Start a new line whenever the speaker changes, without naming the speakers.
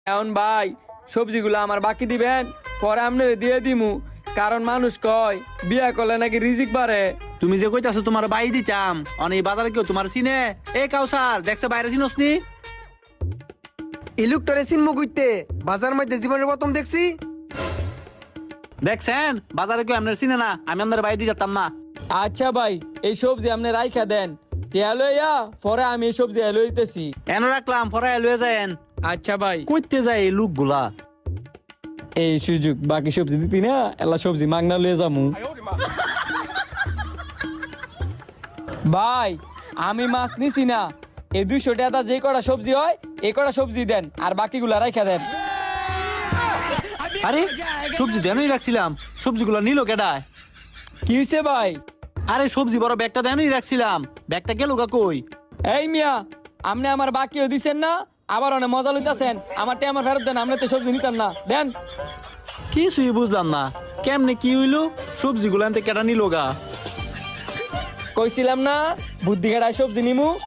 এখন ভাই সবজিগুলো আমার বাকি দিবেন, পরে আপনারে দিয়ে দিমু। কারণ মানুষ কয় বিয়া করলে নাকি রিজিক বাড়ে।
তুমি যে কইতাছো তোমার বাই দিতাম অনেক বাজারে কেউ তোমার চিনে? এ কাউসার দেখছে বাইরে চিনস নি?
ইলুকটারে চিনমু কইতে বাজার মধ্যে জীবনের প্রথম দেখছি।
দেখছেন বাজারে কেউ আপনার চিনে না, আমি আপনার বাই দিয়ে যেতাম না।
আচ্ছা ভাই, এই সবজি আপনি রাইখা দেন, টিয়া লইয়া পরে আমি এই সবজি লইতেছি।
এনে রাখলাম পরে লয়ে যায়েন।
আচ্ছা ভাই,
কইতে যায় এই লোকগুলা।
এই সুযোগ বাকি সবজি দিতি না, এলা সবজি মাগনা লয়ে যামু। ভাই আমি মাছ নিছি না, এই 200 টাকা যে কটা সবজি হয় এই কটা সবজি দেন, আর বাকিগুলা রাইখা দেন।
আরে সবজি দেনই রাখছিলাম, সবজিগুলো নিল কেডায়?
কি হইছে ভাই?
আরে সবজি বড় ব্যাগটা দেনই রাখছিলাম, ব্যাগটা গেল গা কই?
এই মিয়া, আপনি আমার বাকিও দিছেন না, আবার অনেক মজা লইতাছেন। আমার টাকা আমার ফেরত দেন, আপনি তো সবজি নিতেন না, দেন।
কিছুই বুঝলাম না, কেমনে কি হইলো? সবজিগুলো আনতে কেডা নিল গা?
কইছিলাম না বুদ্ধি খাটায় সবজি নিমু।